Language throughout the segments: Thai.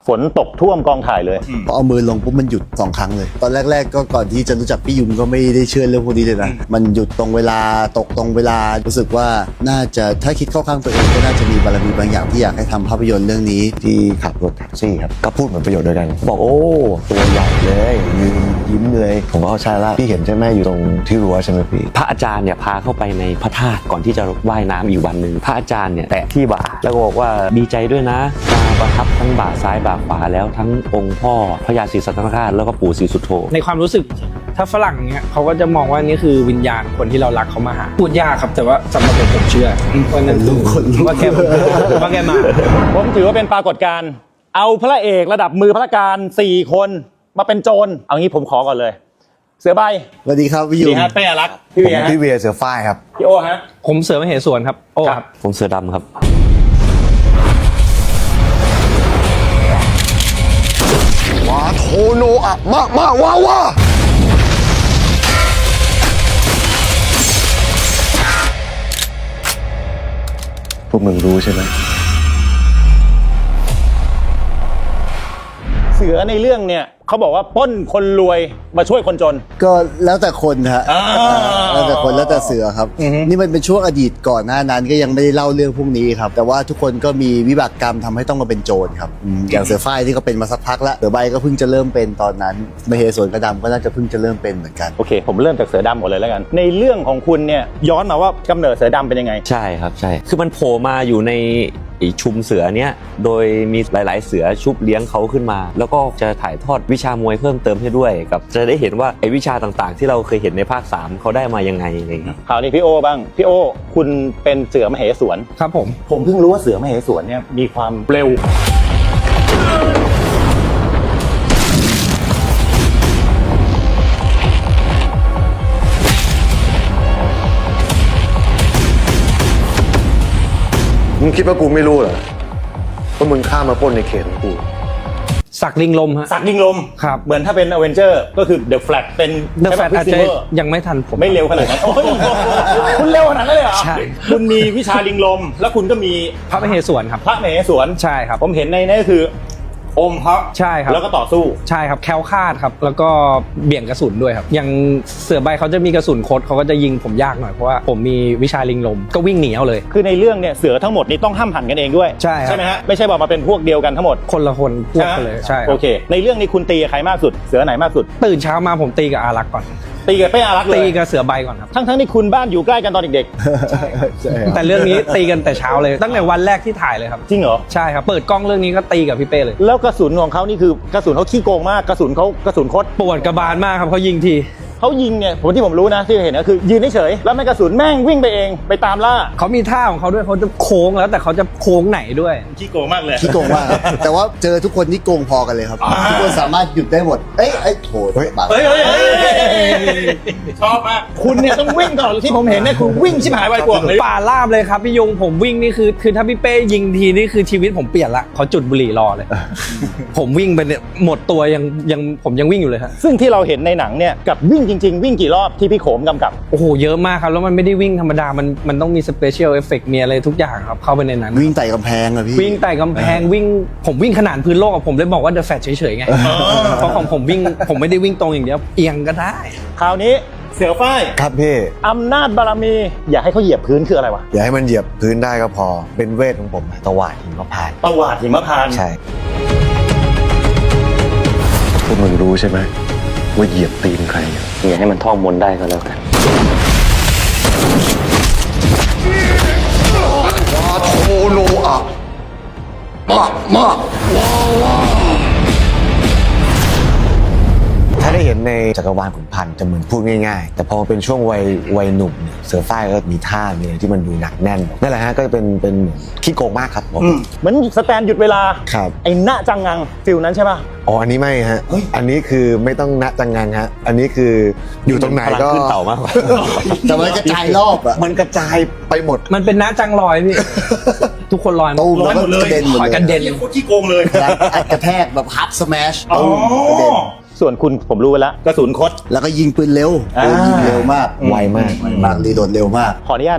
ฝนตกท่วมกองถ่ายเลยพอเอามือลงปุ๊บมันหยุด2 ครั้งเลยตอนแรกๆก็ก่อนที่จะรู้จักพี่ยุมก็ไม่ได้เชื่อเรื่องพวกนี้เลยนะมันหยุดตรงเวลาตกตรงเวลารู้สึกว่าน่าจะถ้าคิดเข้าข้างตัวเองก็น่าจะมีบารมีบางอย่างที่อยากให้ทำภาพยนตร์เรื่องนี้ที่ขับรถแท็กซี่ครับก็พูดเหมือนประโยชน์เดียวกันบอกโอ้ตัวใหญ่เลยยิ้มเลยผมว่าใช่ละพี่เห็นใช่ไหมอยู่ตรงที่รั้วใช่ไหมพี่พระอาจารย์เนี่ยพาเข้าไปในพระธาตุก่อนที่จะว่ายน้ำอีกวันหนึ่งพระอาจารย์เนี่ยแตะที่บ่าแล้วก็บอกว่าดีใจด้วยนะมาประทับทั้งบ่าซ้ายบ่าขวาแล้วทั้งองค์พ่อพระยาศรีสัตนคราชแล้วก็ปู่ศรีสุโธในความรู้สึกถ้าฝรั่งเนี่ยเขาก็จะมองว่านี่คือวิญญาณคนที่เรารักเขามาหาพูดยากครับแต่ว่าสำหรับผมเชื่อว่านั่นว่าแกมาผมถือว่าเป็นปรากฏการณ์เอาพระเอกระดับมือพระการ4 คนมาเป็นโจรเอางี้ผมขอก่อนเลยเสือใบสวัสดีครับพี่ยุมเป้อารักษ์พี่เวียเสือฝ้ายครับพี่โอฮะผมเสือมเหสวนครับโอครับผมเสือดำครับวาโทโนอะมาว้าวาพวกมึงรู้ใช่ไหมเสือในเรื่องเนี่ยเขาบอกว่าปล้นคนรวยมาช่วยคนจนก็แล้วแต่คนฮะแล้วแต่คนแล้วแต่เสือครับนี่มันเป็นช่วงอดีตก่อนหน้านั้นก็ยังไม่ได้เล่าเรื่องพวกนี้ครับแต่ว่าทุกคนก็มีวิบากกรรมทำให้ต้องมาเป็นโจรครับอย่างเสือฝ้ายที่เขาเป็นมาสักพักแล้วเสือใบก็เพิ่งจะเริ่มเป็นตอนนั้นมเหสวนกระดำก็น่าจะเพิ่งจะเริ่มเป็นเหมือนกันโอเคผมเริ่มจากเสือดำก่อนเลยแล้วกันในเรื่องของคุณเนี่ยย้อนมาว่ากำเนิดเสือดำเป็นยังไงใช่ครับใช่คือมันโผล่มาอยู่ในชุมเสือเนี้ยโดยมีหลายๆเสือชุบเลี้ยงเขาขึ้นมาแล้วก็จะถ่ายทอดวิชามวยเพิ่มเติมให้ด้วยกับจะได้เห็นว่าไอ้วิชาต่างๆที่เราเคยเห็นในภาค3เขาได้มายังไงอะไรครับคราวนี้พี่โอบ้างพี่โอคุณเป็นเสือมเหสวนครับผมเพิ่งรู้ว่าเสือมเหสวนเนี่ยมีความเร็วมึงคิดว่ากูไม่รู้เหรอว่ามึงข้ามมาปล้นในเขตของกูสักลิงลมฮะสักลิงลมครับเหมือนถ้าเป็นอเวนเจอร์ก็คือเดอะแฟลตเป็นเดอะแฟลตอาจจะยังไม่ทันผมไม่เร็วขนาดนั้นคุณเร็วขนาดนั้นเลยเหรอใช่คุณมีวิชาลิงลมแล้วคุณก็มีพระมเหสวนครับพระมเหสวนใช่ครับผมเห็นในนั้นก็คืออมพระใช่ครับแล้วก็ต่อสู้ใช่ครับแคล้วคลาดครับแล้วก็เบี่ยงกระสุนด้วยครับอย่างเสือใบเขาจะมีกระสุนคดเขาก็จะยิงผมยากหน่อยเพราะว่าผมมีวิชาลิงลมก็วิ่งหนีเอาเลยคือในเรื่องเนี่ยเสือทั้งหมดนี้ต้องห้ามหันกันเองด้วยใช่ไหมฮะไม่ใช่บอกมาเป็นพวกเดียวกันทั้งหมดคนละคนพวกกันเลยใช่โอเคในเรื่องนี้คุณตีกับใครมากสุดเสือไหนมากสุดตื่นเช้ามาผมตีกับอารักษ์ก่อนตีกับเป้อารักษ์เลยตีกับเสือใบก่อนครับทั้งที่คุณบ้านอยู่ใกล้กันตอนเด็กๆแต่เรื่องนี้ตีกันแต่เช้าเลยตั้งแต่วันแรกที่ถ่ายเลยครับจริงเหรอใช่ครับเปิดกล้องเรื่องนี้ก็ตีกับพี่เป้เลยแล้วกระสุนของเขานี่คือกระสุนเขาขี้โกงมากกระสุนคดปวดกระบาลมากครับเขายิงทีเขายิงเนี่ยที่ผมรู้นะที่เห็นก็คือยืนเฉยแล้วแม่กระสุนแม่งวิ่งไปเองไปตามล่าเขามีท่าของเขาด้วยเขาจะโค้งแล้วแต่เขาจะโค้งไหนด้วยขี้โกงมากเลยขี้โกงมากแต่ว่าเจอทุกคนนี่โกงพอกันเลยครับทุกคนสามารถหยุดได้หมดโถชอบมากคุณเนี่ยต้องวิ่งตลอดที่ผมเห็นเนี่ยคุณวิ่งชิบหายไวกว่าเลยป่าลาบเลยครับพี่ยงผมวิ่งนี่คือถ้าพี่เป้ยิงทีนี่คือชีวิตผมเปลี่ยนละเขาจุดบุหรี่รอเลยผมวิ่งไปเนี่ยหมดตัวยังผมยังวิ่งอยู่เลยฮะซึ่งที่เราเห็นในหนังเนี่ยกับวิ่งจริงๆวิ่งกี่รอบที่พี่โขมกำกับโอ้โหเยอะมากครับแล้วมันไม่ได้วิ่งธรรมดามันต้องมีสเปเชียลเอฟเฟกต์มีอะไรทุกอย่างครับเข้าไปในนั้นวิ่งไต่กำแพงอะพี่วิ่งไต่กำแพงวิ่งผมวิ่งขนาดพื้นโลกผมเลยบอกว่าเดอะแฟลชเฉยๆไงเพราะของผมวิ่งผมไม่ได้วิ่งตรงอย่างเดียวเอียงก็ได้คราวนี้เสือฝ้ายครับพี่อำนาจบารมีอย่าให้เขาเหยียบพื้นคืออะไรวะอย่าให้มันเหยียบพื้นได้ก็พอเป็นเวทของผมตวาดหิมพานต์ตวาดหิมพานต์ใช่พวกมึงรู้ใช่ไหมว่าเหยียบตีนใครอย่าให้มันท่องมนต์ได้ก็แล้วกันวาโทโนอะมาถ้าได้เห็นในจักรวาลขุนพันธ์จะเหมือนพูดง่ายๆแต่พอเป็นช่วงวัยหนุ่มเนี่ยเสือฝ้ายก็มีท่ามีอะไรที่มันดูหนักแน่นนั่นแหละฮะก็จะเป็นขี้โกงมากครับผมเหมือนสแตนหยุดเวลาครับไอ้ณจังงังฟิลนั้นใช่ป่ะอ๋ออันนี้ไม่ฮะอันนี้คือไม่ต้องณจังงังฮะอันนี้คืออยู่ตรงไหนก็ขึ้นเต่ามากกว่าแต่มันกระจายรอบอะมันกระจายไปหมดมันเป็นณจังลอยพี่ทุกคนลอยตูมแล้วก็กระเด็นหมดเลยกระเด็นโคตรขี้โกงเลยกระแทกแบบฮับสแมชกระเด็นส่วนคุณผมรู้แล้วกระสุนคดแล้วก็ยิงปืนเร็วยิงเร็วมากไวมากรีโหลดเร็วมากขออนุญาตนะครับ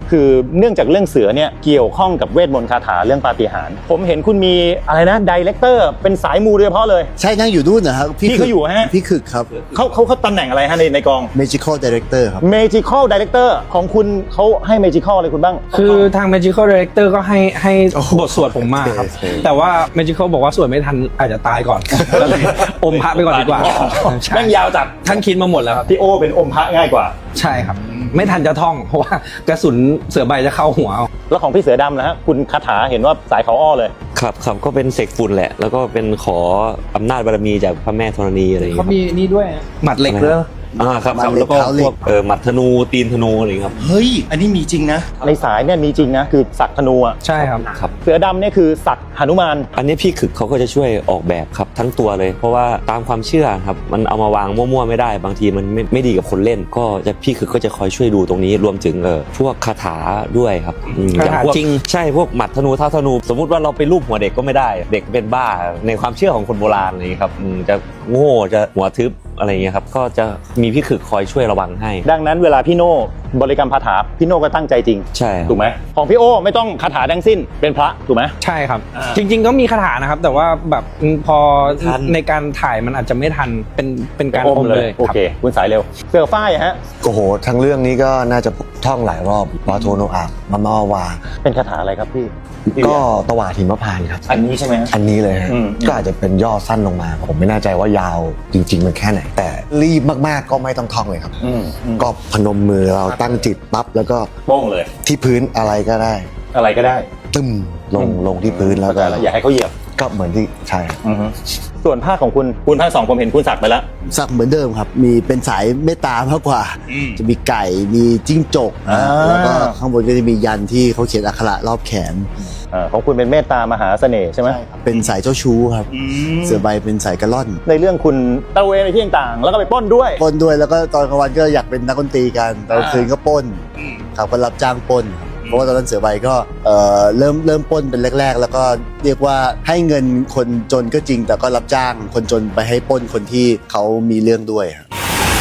คือเนื่องจากเรื่องเสือเนี่ยเกี่ยวข้องกับเวทมนต์คาถาเรื่องปาฏิหาริย์ผมเห็นคุณมีอะไรนะไดเรคเตอร์เป็นสายมูโดยเฉพาะเลยใช่นั่งอยู่นู่นนะครับพี่เขาอยู่ฮะพี่คึกครับเขาตำแหน่งอะไรฮะในกอง Magical Director ครับ Magical Director ของคุณเขาให้ Magical อะไรคุณบ้างคือทาง Magical Director ก็ให้บทสวดผมมาครับโอเคแต่ว่า Magical บอกว่าสวดไม่ทันอาจจะตายก่อนก็เลยอมพระไปก่อนดีกว่าใช่แม่งยาวจัดท่านคิดมาหมดแล้วครับพี่โอเป็นอมพระง่ายกว่าใช่ครับ ไม่ทันจะท่อง เพราะว่ากระสุนเสือใบจะเข้าหัวเอาแล้วของพี่เสือดำนะฮะคุณคาถาเห็นว่าสายเขาอ้อเลยครับก็เป็นเสกฝุ่นแหละ แล้วก็เป็นขออำนาจบารมีจากพระแม่ธรณีอะไรอย่างเขาเงี้ยมีนี่ด้วยหมัดเหล็กด้วยครับมันเหล็กแล้วก็เท้าเหล็กพวกหมัดธนูตีนธนูอะไรอย่างเงี้ยครับเฮ้ย อันนี้มีจริงนะในสายเนี่ยมีจริงนะคือสักธนูอ่ะใช่ครับครับเสือดำเนี่ยคือสักหนุมานอันนี้พี่ขึกเขาก็จะช่วยออกแบบครับทั้งตัวเลย เพราะว่าตามความเชื่อครับมันเอามาวางมั่วๆไม่ได้บางทีมันไม่ดีกับคนเล่น ก็จะพี่ขึกก็จะคอยช่วยดูตรงนี้รวมถึงพวกคาถาด้วยครับอย่คาถาพวกจริงใช่พวกหมัดธนูเท้าธนู สมมุติว่าเราไปรูปหัวเด็กก็ไม่ได้ เด็กเป็นบ้าในความเชื่อของคนโบราณอะไรอย่างนี้ครับจะโง่จะหัวทึบอะไรอย่างเงี้ยครับก็จะมีพี่ขึกคอยช่วยระวังให้ดังนั้นเวลาพี่โน่บริกรรมคาถาพี่โน่ก็ตั้งใจจริงใช่ครับถูกไหมของพี่โอไม่ต้องคาถาทั้งสิ้นเป็นพระถูกไหมใช่ครับ จริง ๆ ก็มีคาถานะครับ แต่ว่าแบบพอทันในการถ่ายมันอาจจะไม่ทันเป็นการอมเลยโอเค คุณสายเร็วเสือฝ้ายฮะโอ้โหทั้งเรื่องนี้ก็น่าจะท่องหลายรอบวาโทโนอาบมามาวาเป็นคาถาอะไรครับพี่ก็ตวาดหิมพานต์ครับอันนี้ใช่ไหมฮะอันนี้เลยฮะอืมก็อาจจะเป็นย่อสั้นลงมา ผมไม่แน่ใจว่ายาวจริง ๆ มันแค่ไหน แต่รีบมากๆก็ไม่ต้องท่องเลยครับ ก็พนมมือเราตั้งจิตปั๊บแล้วก็โป้งเลยที่พื้นอะไรก็ได้อะไรก็ได้ตึ้มลงที่พื้นแล้วก็อย่าให้เขาเหยียบก็เหมือนที่ใช่ครับส่วนภาคของคุณภาค 2ผมเห็นคุณสักไปแล้วสักเหมือนเดิมครับ มีเป็นสายเมตตามากกว่า จะมีไก่ มีจิ้งจกนะอ่าแล้วก็ข้างบนก็จะมียันที่เขาเขียนอักขระรอบแขนของคุณเป็นเมตตามหาเสน่ห์ใช่ไหมเป็นสายเจ้าชู้ครับ เสือใบเป็นสายกระล่อนในเรื่องคุณตระเวนในที่ต่างๆแล้วก็ไปปล้นด้วยปล้นด้วยแล้วก็ตอนกลางวันก็อยากเป็นนักดนตรีกันตอนกลางคืนก็ปล้นครับก็รับจ้างปล้นครับเพราะว่าตอนนั้นเสือใบก็เริ่มปล้นเป็นแรก ๆ แล้วก็เรียกว่าให้เงินคนจนก็จริง แต่ก็รับจ้างคนจนไปให้ปล้นคนที่เขามีเรื่องด้วยครับ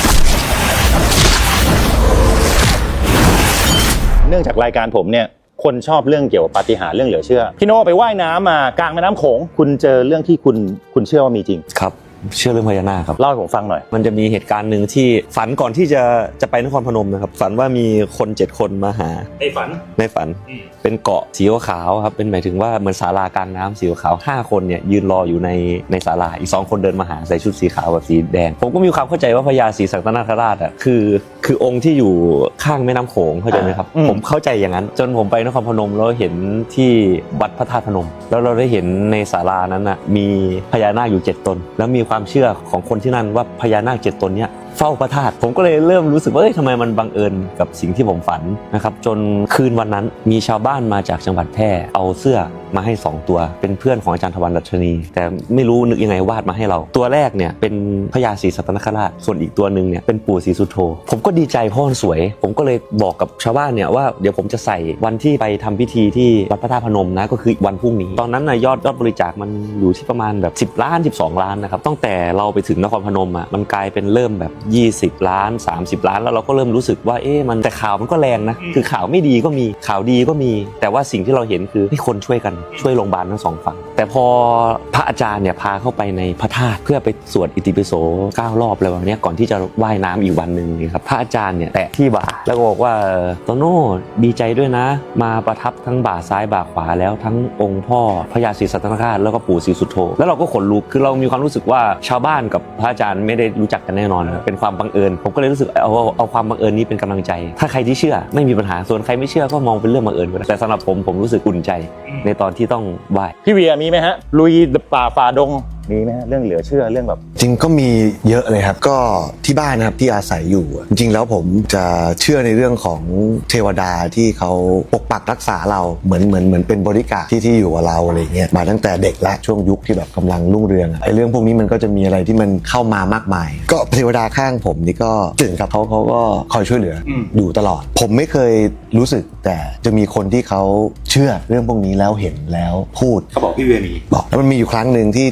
เนื่องจากรายการผมเนี่ยคนชอบเรื่องเกี่ยวกับปาฏิหาริย์เรื่องเหลือเชื่อพี่โน่ไปว่ายน้ำมากลางแม่น้ำโขงคุณเจอเรื่องที่คุณเชื่อว่ามีจริงครับเชื่อเรื่องพญานาคครับเล่าให้ผมฟังหน่อยมันจะมีเหตุการณ์หนึ่งที่ฝันก่อนที่จะไปนครพนมนะครับฝันว่ามีคน7คนมาหาไอ้ฝันในฝันเป็นเกาะสีขาวๆครับเป็นหมายถึงว่าเหมือนศาลากลางน้ำสีขาว5คนเนี่ยยืนรออยู่ในศาลาอีก2คนเดินมาหาใส่ชุดสีขาวกับสีแดงผมก็มีความเข้าใจว่าพญาศรีสัตนคราชอ่ะคือองค์ที่อยู่ข้างแม่น้ำโขงเข้าใจไหมครับผมเข้าใจอย่างนั้นจนผมไปนครพนมแล้วเห็นที่วัดพระธาตุพนม แล้วเราได้เห็นในศาลานั้นน่ะมีพญานาคอยู่7ตนแล้วมีความเชื่อของคนที่นั่นว่าพญานาค7ตนเนี้ยเฝ้าพระธาตุผมก็เลยเริ่มรู้สึกว่าทำไมมันบังเอิญกับสิ่งที่ผมฝันนะครับจนคืนวันนั้นมีชาวบ้านมาจากจังหวัดแพร่เอาเสื้อมาให้2ตัวเป็นเพื่อนของอาจารย์ทวันดัชนีแต่ไม่รู้นึกยังไงวาดมาให้เราตัวแรกเนี่ยเป็นพญาศรีสัตนคราชส่วนอีกตัวนึงเนี่ยเป็นปู่ศรีสุโธผมก็ดีใจเพราะมันสวยผมก็เลยบอกกับชาวบ้านเนี่ยว่าเดี๋ยวผมจะใส่วันที่ไปทำพิธีที่วัดพระธาตุพนมนะก็คือวันพรุ่งนี้ตอนนั้นนะยอดบริจาคมันอยู่ที่ประมาณแบบ10 ล้าน12 ล้านนะครับตั้งแต่เราไปถึงนครพนมอ่ะมันกลายเป็นเริ่มแบบ20 ล้าน30 ล้านแล้วเราก็เริ่มรู้สึกว่ามันแต่ข่าวมันก็แรงนะคือข่าวไม่ดีก็มีข่าวดีก็มีแต่ว่าสิ่งที่เราเห็นคือให้คนช่วยกันช่วยโรงพยาบาลทั้ง2ฝั่งแต่พอพระอาจารย์เนี่ยพาเข้าไปในพระธาตุเพื่อไปสวดอิติปิโส9 รอบอะไรแบบนี้ก่อนที่จะว่ายน้ำอีกวันนึงนี่ครับพระอาจารย์เนี่ยแตะที่บ่าแล้วก็บอกว่าโตโน่ดีใจด้วยนะมาประทับทั้งบ่าซ้ายบ่าขวาแล้วทั้งองค์พ่อพญาศรีสัตนคราชแล้วก็ปู่ศรีสุโธแล้วเราก็ขนลุกคือเรามีความรู้สึกว่าชาวบ้านกับพระอาจารย์ไม่ได้รู้จักกันแน่นอนเป็นความบังเอิญผมก็เลยรู้สึกเอาความบังเอิญนี้เป็นกำลังใจถ้าใครที่เชื่อไม่มีปัญหาส่วนใครไม่เชื่อก็มองเป็นเรื่องบังเอิญก็ได้แต่สำหรับผมรู้สึกอุ่นใจในตอนที่ต้องไหว้พี่เวียมีไหมฮะลุยป่าฝ่าดงมีไหมฮะเรื่องเหลือเชื่อเรื่องแบบจริงก็มีเยอะเลยครับก็ที่บ้านนะครับที่อาศัยอยู่จริงๆแล้วผมจะเชื่อในเรื่องของเทวดาที่เขาปกปักรักษาเราเหมือนเป็นบริการที่อยู่กับเราอะไรเงี้ยมาตั้งแต่เด็กและช่วงยุคที่แบบกำลังรุ่งเรืองไอ้เรื่องพวกนี้มันก็จะมีอะไรที่มันเข้ามามากมาย ก็เทวดาข้างผมนี่ก็ตื่นครับเขาก็คอยช่วยเหลืออยู่ตลอดผมไม่เคยรู้สึกแต่จะมีคนที่เขาเชื่อเรื่องพวกนี้แล้วเห็นแล้วพูดเขาบอกพี่เวียมีบอกแล้วมันมีอยู่ครั้งหนึ่งที่มันเป๊ะ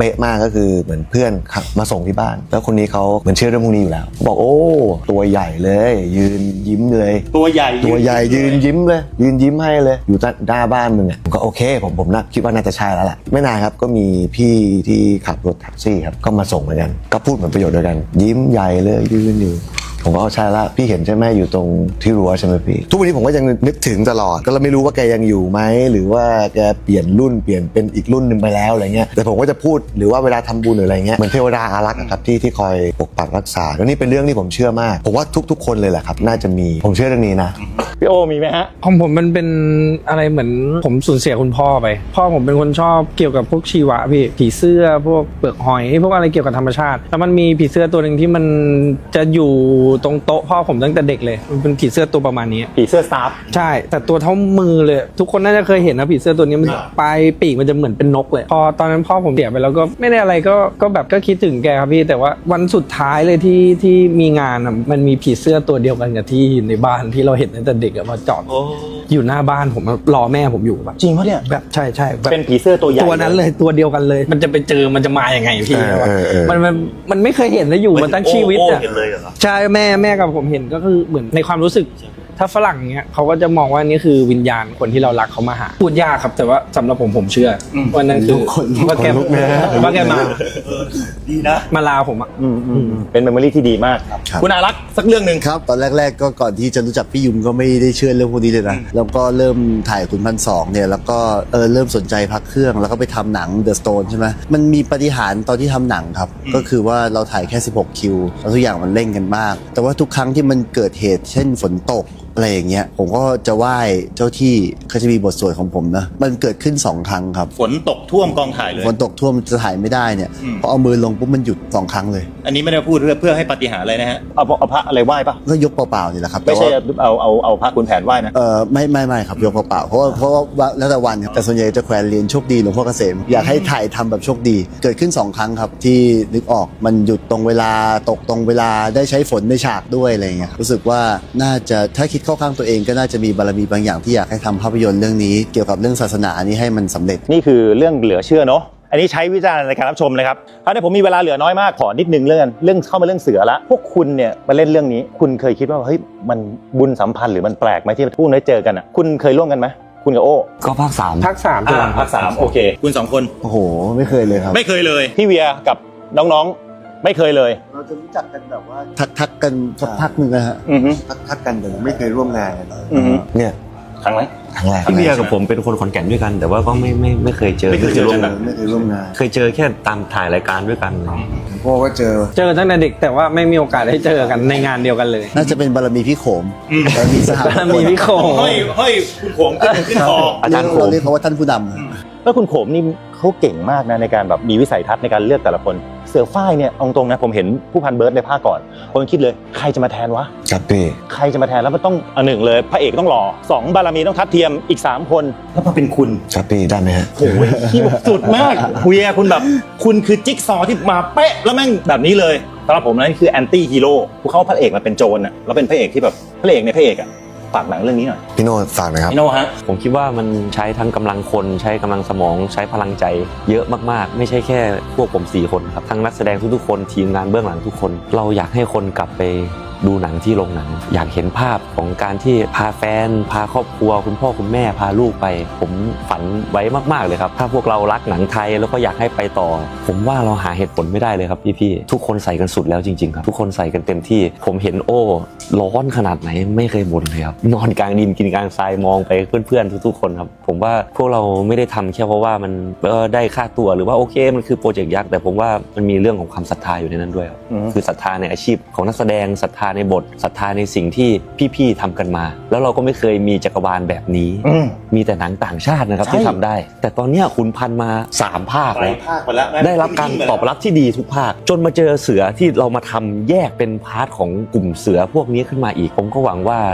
ะมากก็คือเหมือนเพื่อนขับมาส่งที่บ้าน แล้วคนนี้เขาเหมือนเชื่อเรื่องพวกนี้อยู่แล้วบอกโอ้ตัวใหญ่เลยยืนยิ้มเลยตัวใหญ่ยืนยิ้มเลยยืนยิ้มให้เลยอยู่หน้าบ้านมึงอ่ะผมก็โอเคผมน่าคิดว่าน่าจะใช่แล้วล่ะไม่นานครับก็มีพี่ที่ขับรถแท็กซี่ครับก็มาส่งเหมือนกันก็พูดเหมือนประโยชน์เดียวกันยิ้มใหญ่เลยยืนอยู่ผมก็เอาใช่ละพี่เห็นใช่ไหมอยู่ตรงที่รั้วใช่ไหมพี่ทุกวันนี้ผมก็ยังนึกถึงตลอดก็เราไม่รู้ว่าแกยังอยู่ไหมหรือว่าแกเปลี่ยนรุ่นเปลี่ยนเป็นอีกรุ่นหนึ่งไปแล้วอะไรเงี้ยแต่ผมก็จะพูดหรือว่าเวลาทำบุญหรืออะไรเงี้ยเหมือนเทวดาอารักษ์ครับที่คอยปกปักรักษาแล้วนี่เป็นเรื่องที่ผมเชื่อมากผมว่าทุกคนเลยแหละครับน่าจะมีผมเชื่อเรื่องนี้นะพี่โอมีไหมฮะของผมมันเป็นอะไรเหมือนผมสูญเสียคุณพ่อไปพ่อผมเป็นคนชอบเกี่ยวกับพวกชีวะพี่ผีเสื้อพวกเปลือกหอยพวกอะไรเกี่ยวกับธรรมชาติแล้วมันมีผีเสื้อตัวหนึ่งที่มันจะอยู่ตรงโต๊ะพ่อผมตั้งแต่เด็กเลยมันเป็นผีเสื้อตัวประมาณนี้ผีเสื้อสตาฟใช่แต่ตัวเท่ามือเลยทุกคนน่าจะเคยเห็นนะผีเสื้อตัวนี้มันปลายปีกมันจะเหมือนเป็นนกเลยพอตอนนั้นพ่อผมเสียไปแล้วก็ไม่ได้อะไรก็แบบก็คิดถึงแกครับพี่แต่ว่าวันสุดท้ายเลยที่มีงานอ่ะมันมีผีเสื้อตัวเดียวกันกับที่ในบ้านที่เราเห็นตั้งแต่เด็กอะมาจอดอยู่หน้าบ้านผมรอแม่ผมอยู่แบบจริงปะเนี่ยแบบใช่แบบเป็นผีเสื้อตัวใหญ่ตัวนั้นเลยตัวเดียวกันเลย มันจะไปเจอมันจะมาอย่างไงพี่มันไม่เคยเห็นแล้วอยู่มาตั้งชีวิตอ่ะใช่แม่กับผมเห็นก็คือเหมือนในความรู้สึกถ้าฝรั่งเนี้ยเขาก็จะมองว่านี่คือวิญญาณคนที่เรารักเขามาหาพูดยากครับแต่ว่าสำหรับผมเชื่อว่านั่นคือว่าแกมาดีนะมาลาผมอ่ะเป็นเมมโมรี่ที่ดีมากคุณอารักษ์สักเรื่องหนึ่งครับตอนแรกๆก็ก่อนที่จะรู้จักพี่ยุมก็ไม่ได้เชื่อเรื่องพวกนี้เลยนะแล้วก็เริ่มถ่ายขุนพันสองเนี่ยแล้วก็เริ่มสนใจพักเครื่องแล้วก็ไปทำหนัง The Stone ใช่ไหมมันมีปาฏิหาริย์ตอนที่ทำหนังครับก็คือว่าเราถ่ายแค่16คิวแล้วทุกอย่างมันเร่งกันมากแต่ว่าทุกครั้งที่มันเกิดเหตุเช่นฝนตกอะไรอย่างเงี้ยผมก็จะไหว้เจ้าที่เขาจะมีบทสวดของผมนะมันเกิดขึ้น2ครั้งครับฝนตกท่วมกองถ่ายเลยฝนตกท่วมจะถ่ายไม่ได้เนี่ยพอเอามือลงปุ๊บมันหยุด2ครั้งเลยอันนี้ไม่ได้พูดเพื่อให้ปาฏิหาริย์อะไรนะฮะเอาพระอะไรไหว้ปะก็ยกเปล่าๆนี่แหละครับไม่ใช่เอาพระคุณแผนไหว้นะไม่ครับยกเปล่าๆเพราะว่าแล้วแต่วันครับแต่ส่วนใหญ่จะแขวนเหรียญโชคดีหลวงพ่อเกษมอยากให้ถ่ายทำแบบโชคดีเกิดขึ้น2ครั้งครับที่นึกออกมันหยุดตรงเวลาตกตรงเวลาได้ใช้ฝนในฉากด้วยอะไรเงี้ยรู้สึกว่าน่าจะถ้าคิดเข้าข้างตัวเองก็น่าจะมีบารมีบางอย่างที่อยากให้ทำภาพยนตร์เรื่องนี้เกี่ยวกับเรื่องศาสนานี้ให้มันสำเร็จนี่คือเรื่องเหลือเชื่อเนาะอันนี้ใช้วิจารณ์ในการรับชมนะครับเพราะในผมมีเวลาเหลือน้อยมากขอนิดนึงเรื่องเข้ามาเรื่องเสือละพวกคุณเนี่ยมาเล่นเรื่องนี้คุณเคยคิดว่าเฮ้ยมันบุญสัมพันธ์หรือมันแปลกไหมที่พวกนี้เจอกันอ่ะคุณเคยร่วมกันไหมคุณกับโอ้ก็ภาค3 ภาค3 ภาค3โอเคคุณ2คนโอ้โหไม่เคยเลยครับไม่เคยเลยพี่เวียกับน้องๆไม่เคยเลยเราจะรู้จักกันแบบว่าทักกันสักพักนึงนะฮะทักกันแต่ไม่เคยร่วมงานกันเนี่ยครั้งแรกพี่เบียร์กับผมเป็นคนขอนแก่นด้วยกันแต่ว่าก็ไม่เคยเจอไม่เคยร่วมงานเคยเจอแค่ตามถ่ายรายการด้วยกันพ่อก็เจอตั้งแต่เด็กแต่ว่าไม่มีโอกาสได้เจอกันในงานเดียวกันเลยน่าจะเป็นบารมีพี่โขมบารมีสหบารมีพี่โขมเฮ้ยคุณโขมขึ้นคออาจารย์โขมเรียกเขาว่าท่านผู้นำแล้วคุณโขมนี่เขาเก่งมากนะในการแบบมีวิสัยทัศน์ในการเลือกแต่ละคนเสือฝ้ายเนี่ยเอาตรงนะผมเห็นผู้พันเบิร์ดในภาคก่อนผมคิดเลยใครจะมาแทนวะครับพี่ใครจะมาแทนแล้วมันต้องหนึ่งเลยพระเอกต้องหล่อ2บารมีต้องทัดเทียมอีก3คนแล้วมาเป็นคุณครับพี่ได้ไหมฮะโอ้ยที่สุดมากเวียคุณแบบคุณคือจิ๊กซอที่มาเป๊ะแล้วแม่งแบบนี้เลยสำหรับผมนั่นคือแอนตี้ฮีโร่ผู้เข้าพระเอกมาเป็นโจรอ่ะแล้วเป็นพระเอกที่แบบพระเอกในพระเอกอ่ะฝากหนังเรื่องนี้หน่อยพี่โน่ฝากนะครับพี่โน่ฮะผมคิดว่ามันใช้ทั้งกำลังคนใช้กำลังสมองใช้พลังใจเยอะมากๆไม่ใช่แค่พวกผม4คนครับทั้งนักแสดงทุกๆคนทีมงานเบื้องหลังทุกคนเราอยากให้คนกลับไปดูหนังที่โรงหนังอยากเห็นภาพของการที่พาแฟนพาครอบครัวคุณพ่อคุณแม่พาลูกไปผมฝันไว้มากๆเลยครับถ้าพวกเรารักหนังไทยแล้วก็อยากให้ไปต่อผมว่าเราหาเหตุผลไม่ได้เลยครับพี่ๆทุกคนใส่กันสุดแล้วจริงๆครับทุกคนใส่กันเต็มที่ผมเห็นโอ้ร้อนขนาดไหนไม่เคยบ่นเลยครับนอนกลางดินกินกลางทรายมองไปเพื่อนๆทุกๆคนครับผมว่าพวกเราไม่ได้ทำแค่เพราะว่ามันได้ค่าตัวหรือว่าโอเคมันคือโปรเจกต์ยักษ์แต่ผมว่ามันมีเรื่องของความศรัทธาอยู่ในนั้นด้วยครับคือศรัทธาในอาชีพของนักแสดงศรัทธาในบทศรัทธาในสิ่งที่พี่ๆทำกันมาแล้วเราก็ไม่เคยมีจักรวาลแบบนี้มีแต่หนังต่างชาตินะครับที่ทำได้แต่ตอนนี้ขุนพันธุ์มา3ภาคแล้วได้รับการตอบรับที่ดีทุกภาคจนมาเจอเสือที่เรามาทำแยกเป็นพาร์ทของกลุ่มเสือพวกนี้ขึ้นมาอีกผมก็หวังว่า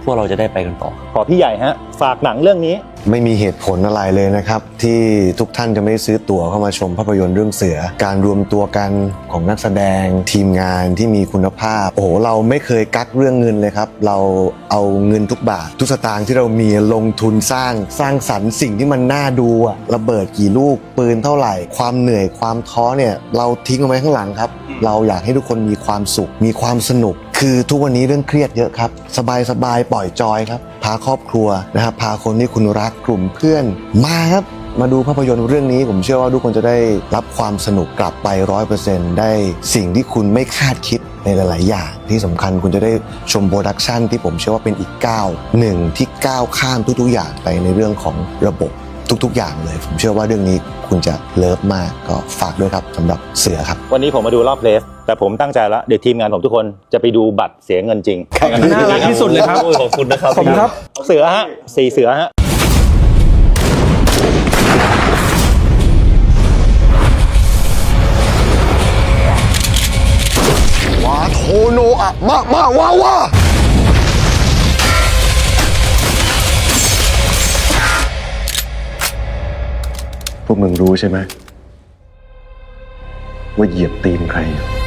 พวกเราจะได้ไปกันต่อขอพี่ใหญ่ฮะฝากหนังเรื่องนี้ไม่มีเหตุผลอะไรเลยนะครับ ที่ทุกท่านจะไม่ซื้อตั๋วเข้ามาชมภาพยนตร์เรื่องเสือ การรวมตัวกันของนักแสดงทีมงานที่มีคุณภาพโอ้โหเราไม่เคยกักเรื่องเงินเลยครับเราเอาเงินทุกบาททุกสตางค์ที่เรามีลงทุนสร้างสรรค์สิ่งที่มันน่าดูอะระเบิดกี่ลูกปืนเท่าไหร่ ความเหนื่อยความท้อเนี่ยเราทิ้งเอาไว้ข้างหลังครับเราอยากให้ทุกคนมีความสุขมีความสนุกคือทุกวันนี้เรื่องเครียดเยอะครับสบายปล่อยจอยครับพาครอบครัวนะครับพาคนที่คุณรักกลุ่มเพื่อนมาครับมาดูภาพยนตร์เรื่องนี้ผมเชื่อว่าทุกคนจะได้รับความสนุกกลับไป 100% ได้สิ่งที่คุณไม่คาดคิดในหลายๆอย่างที่สำคัญคุณจะได้ชมโปรดักชันที่ผมเชื่อว่าเป็นอีกก้าวหนึ่งที่ก้าวข้ามทุกๆอย่างไปในเรื่องของระบบทุกๆอย่างเลยผมเชื่อว่าเรื่องนี้คุณจะเลิฟมากก็ฝากด้วยครับสำหรับเสือครับวันนี้ผมมาดูรอบเพลสแต่ผมตั้งใจแล้วเดี๋ยวทีมงานผมทุกคนจะไปดูบัตรเสียเงินจริงน่ารักที่สุดเลยครับขอบคุณนะครับขอบคุณครับเสือฮะ4เสือฮะวาโทโนอะมาว้าพวกมึงรู้ใช่ไหมว่าเหยียบตีนใครอยู่